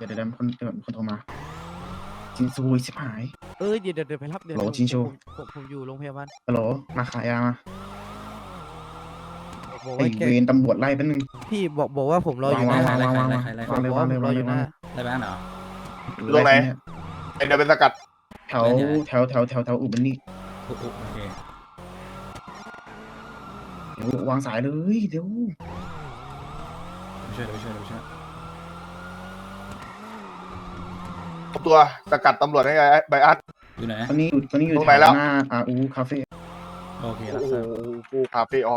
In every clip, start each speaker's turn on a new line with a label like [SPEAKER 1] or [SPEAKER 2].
[SPEAKER 1] เดี๋ยวคนโทรมาจินซูชิบหาย
[SPEAKER 2] เดี๋ยวไปรับเดี๋ยว
[SPEAKER 1] โหลชิงโช
[SPEAKER 2] ผมอยู่โรงพยาบาล
[SPEAKER 1] ฮัลโหลมาขายยามา
[SPEAKER 2] บอก
[SPEAKER 1] ไอ
[SPEAKER 2] ว่าแก
[SPEAKER 1] เวรตำรวจไล่แป๊บนึง
[SPEAKER 2] พี่บอกว่าผมรออยู่ห
[SPEAKER 1] วา
[SPEAKER 2] น้าง
[SPEAKER 1] วาง
[SPEAKER 3] ใคร
[SPEAKER 1] วางเลยวางเลย
[SPEAKER 2] บอก
[SPEAKER 1] วาง
[SPEAKER 2] ว่า
[SPEAKER 1] เลย
[SPEAKER 2] ผมรออยู่หน้า
[SPEAKER 3] ได้บ้างเหรอ
[SPEAKER 4] ตรงไหน
[SPEAKER 1] เนี่ย
[SPEAKER 4] ไอเดี๋ยวเป็นสกัด
[SPEAKER 1] แถวอุบันนี่
[SPEAKER 3] โอเค
[SPEAKER 1] เดี๋ยววางสายเลยเดี๋ยว
[SPEAKER 3] เดี๋ยวไปช่วย
[SPEAKER 4] ตัวสกัดตำรวจให้ไบอัส
[SPEAKER 3] อยู่ไหน
[SPEAKER 1] ตอนนี้อยู่
[SPEAKER 4] ตรง
[SPEAKER 1] แถ
[SPEAKER 4] ไหนแล้ว
[SPEAKER 1] วหน้าคาเฟ่
[SPEAKER 3] โอเครั
[SPEAKER 4] โอ้
[SPEAKER 3] บ
[SPEAKER 4] โห
[SPEAKER 3] ทราบ
[SPEAKER 4] กูคาเฟ่อ๋อก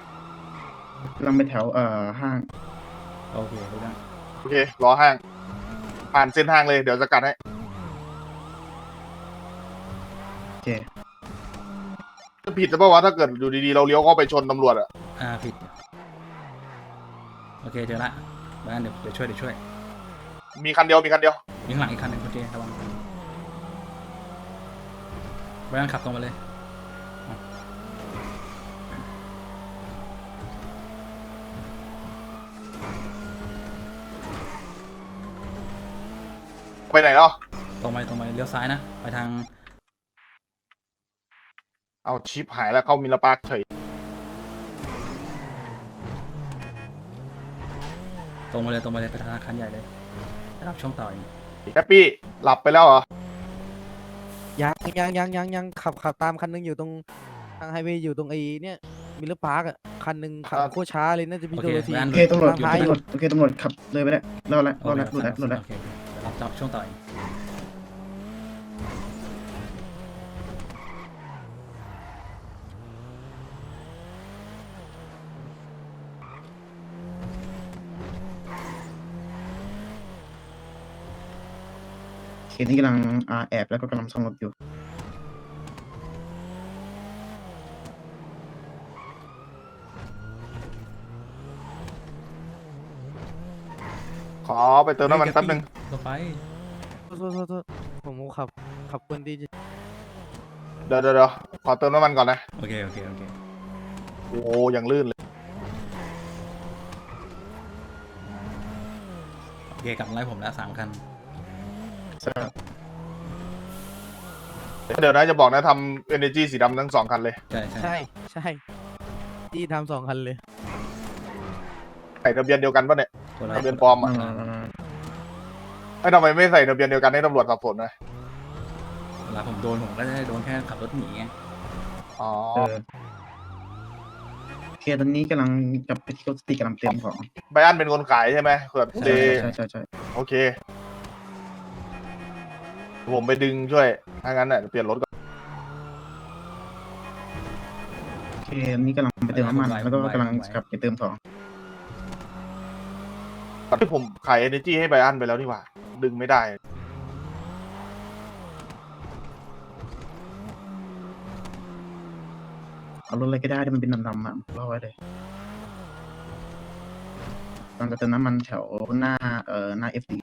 [SPEAKER 1] ำลังไปแถวห้าง
[SPEAKER 3] โอเครู้แล้ว
[SPEAKER 4] โอเครอห้าง ผ่านเส้นทางเลยเดี๋ยวสกัดให้
[SPEAKER 1] โอเค
[SPEAKER 4] จะผิดหรือเปล่าวะถ้าเกิดอยู่ดีๆเราเลี้ยวเข้าไปชนตำรวจอะ
[SPEAKER 3] ผิดโอเคเจอละบ้านเดี๋ยวช่วย
[SPEAKER 4] มีคันเดียว
[SPEAKER 3] มีข้างหลังอีกคันหนึ่งโอเคระวังบ้านขับตรงมาเลย
[SPEAKER 4] ไปไหนแล้ว
[SPEAKER 3] ตรงไปเลี้ยวซ้ายนะไปทาง
[SPEAKER 4] เอาชิปหายแล้วเข้ามิลปาร์คเฉย
[SPEAKER 3] ตรงมาเลยไปธนาคารใหญ่เลยได้รับช่วงต่ออีก
[SPEAKER 4] แฮปปี้หลับไปแล้วเหรอ
[SPEAKER 2] ยังขับตามคันนึงอยู่ตรงทางไฮเวย์อยู่ตรงไอ้เนี่ยมิลเลอร์พาร์คอ่ะคันนึงขับโคตรช้าเลยน่าจะพี่โดนที
[SPEAKER 1] โอเคตำรวจขับเลยไปแล้วรอดแล้ว
[SPEAKER 3] โอเคเดี๋ยวรับช่วงต่ออีก
[SPEAKER 1] เคสนี้กำลังแอบแล้วก็กำลังซ่อมรถอยู่
[SPEAKER 4] ขอไปเติมน้ำมันแป๊บนึง
[SPEAKER 3] ต่อไป
[SPEAKER 2] โทษผมขับคนดี
[SPEAKER 4] เดี๋ยวขอเติมน้ำมันก่อนนะ
[SPEAKER 3] โอเค
[SPEAKER 4] โอ้ยังลื่นเลย
[SPEAKER 3] โอเคกลับมาไล่ผมแล้ว3 คัน
[SPEAKER 4] เดี๋ยวนะจะบอกนะทำ Energy สีดำทั้ง2 คันเลย
[SPEAKER 3] ใช่
[SPEAKER 2] ใช่ที่ทำ2 คันเลย
[SPEAKER 4] ใส่ทะเบียนเดียวกันปะเนี่ย
[SPEAKER 3] คนละ
[SPEAKER 4] ทะเบียนปลอมอ่ะไอ้ทำไมไม่ใส่ทะเบียนเดียวกันให้ตำรวจสับสนนะ
[SPEAKER 3] เวลาผมโดนผมก็จะได้โดนแค่ขับรถหนีไง
[SPEAKER 4] อ๋อ
[SPEAKER 1] เคสตอนนี้กำลังกับไปที่รถสติกำลังเตรียมของ
[SPEAKER 4] ไบอันเป็นคนขายใช่ไหมเผื่อเด
[SPEAKER 1] ใช่
[SPEAKER 4] โอเค ผมไปดึงช่วยถ้างั้นน่ะเปลี่ยนรถก่อน
[SPEAKER 1] เคสนี้กำลังไปเติมน้ำมันแล้วก็กำลังกลับไปเติมของ
[SPEAKER 4] ที่ผมขาย Energy ให้ไบอันไปแล้วนี่หว่า ดึงไม่ได้
[SPEAKER 1] เอารถอะไรก็ได้ที่มันเป็นดำๆอ่ะรอไว้เลยกำลังจะเติมน้ำมันแถวหน้าหน้า FD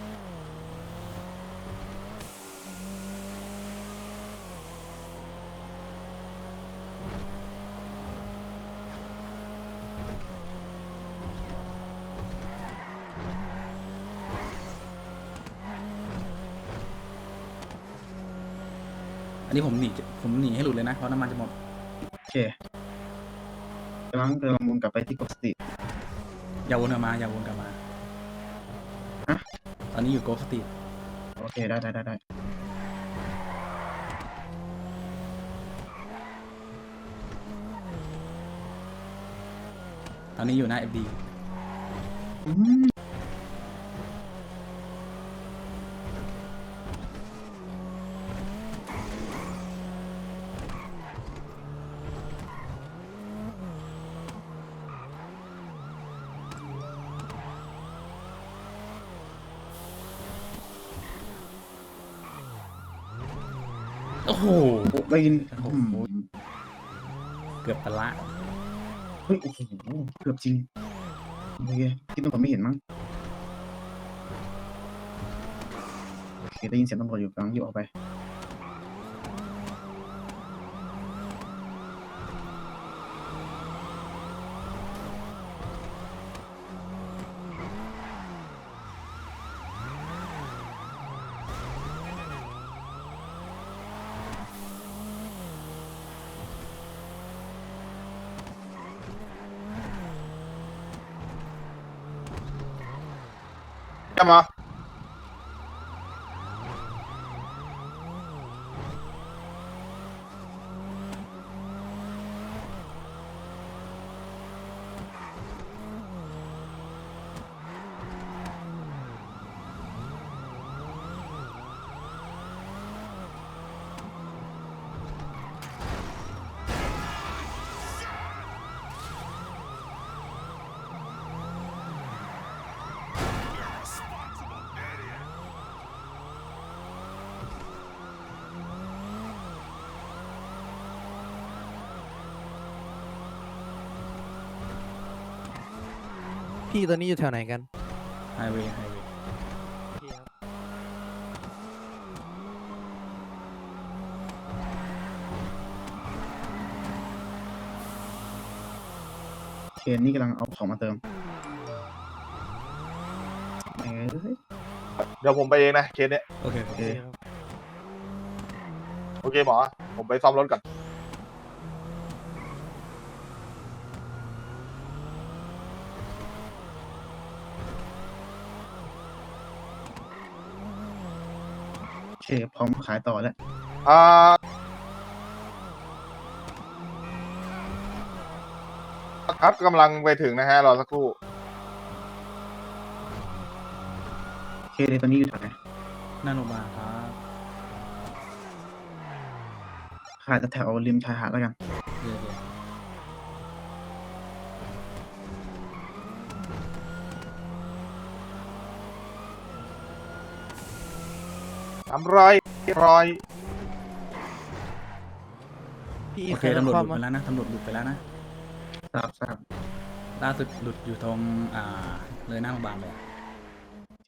[SPEAKER 3] อันนี้ผมหนีให้หลุดเลยนะเพราะน้ำมันจะหมด
[SPEAKER 1] โอเคกำลังวนกลับไปที่กบสติ
[SPEAKER 3] อย่าวนกลับมา
[SPEAKER 1] ฮะ
[SPEAKER 3] ตอนนี้อยู่โกลสตรีท
[SPEAKER 1] โอเคได้
[SPEAKER 3] ตอนนี้อยู่หน้า FD
[SPEAKER 1] อืม
[SPEAKER 3] โอ้โห
[SPEAKER 1] ได้ยิน
[SPEAKER 3] โอ้โห เกือบตะละ
[SPEAKER 1] เฮ้ยโอ้โหเกือบจริงโอเคที่ตำรวจไม่เห็นมั้งโอเคได้ยินเสียงตำรวจอยู่กำลังยิบออกไป
[SPEAKER 4] จะมา
[SPEAKER 2] พี่ตอนนี้อยู่แถวไหนกัน
[SPEAKER 3] ไฮเวย์
[SPEAKER 1] เคนนี่กำลังเอาของมาเติมเอ้ย
[SPEAKER 4] เดี๋ยวผมไปเองนะเคสเนี้ย
[SPEAKER 3] โอเค
[SPEAKER 1] โอเค
[SPEAKER 4] โอเคหมอ ผมไปซ่อมรถก่อน
[SPEAKER 1] โอเคพร้อมขายต่อแล้ว
[SPEAKER 4] อ่าครับกำลังไปถึงนะฮะรอสักครู่
[SPEAKER 1] โอเคเลยตอนนี้อยู่แถวไหน
[SPEAKER 3] หน้าโรงพยาบาลครับ
[SPEAKER 1] ขายแถวริมชายหาดแล้วกัน
[SPEAKER 3] เดี๋ยว
[SPEAKER 4] 300
[SPEAKER 2] พี่
[SPEAKER 3] โอเค
[SPEAKER 2] ใคร
[SPEAKER 3] ตำรวจ
[SPEAKER 2] ค
[SPEAKER 3] ห
[SPEAKER 2] วา
[SPEAKER 3] ลุ
[SPEAKER 2] ม
[SPEAKER 3] ดไปแล้วนะตำรวจหลุดไปแล้วนะ
[SPEAKER 1] ทราบ
[SPEAKER 3] ล่าสุดหลุดอยู่ตรงเลยหน้าโรงพยาบาลเลยอะ